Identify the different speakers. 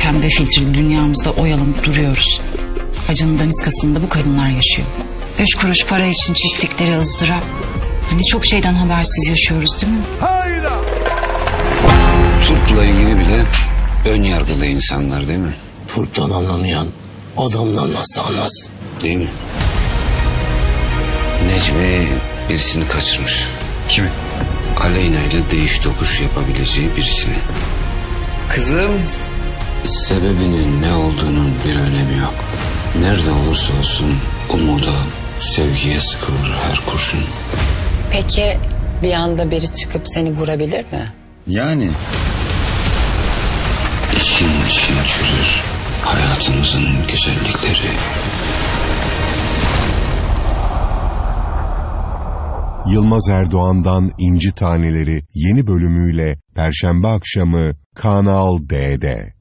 Speaker 1: pembe filtreli dünyamızda oyalanıp duruyoruz. Acının daniskasında bu kadınlar yaşıyor. 3 kuruş para için çektikleri ızdırap. Hani çok şeyden habersiz yaşıyoruz değil mi?
Speaker 2: Turp'la ilgili bile ön yargılı insanlar değil mi?
Speaker 3: Turp'tan anlamayan adamdan nasıl anlasın?
Speaker 2: Değil mi? Necmi birisini kaçırmış.
Speaker 4: Kimi?
Speaker 2: Aleyna ile değiş tokuş yapabileceği birisini.
Speaker 4: Kızım.
Speaker 2: Sebebinin ne olduğunun bir önemi yok. Nerede olursa olsun umuda, sevgiye sıkılır her kurşun.
Speaker 5: Peki bir anda biri çıkıp seni vurabilir mi?
Speaker 4: Yani.
Speaker 2: İçin çürür hayatımızın güzellikleri.
Speaker 6: Yılmaz Erdoğan'dan İnci Taneleri yeni bölümüyle Perşembe akşamı Kanal D'de.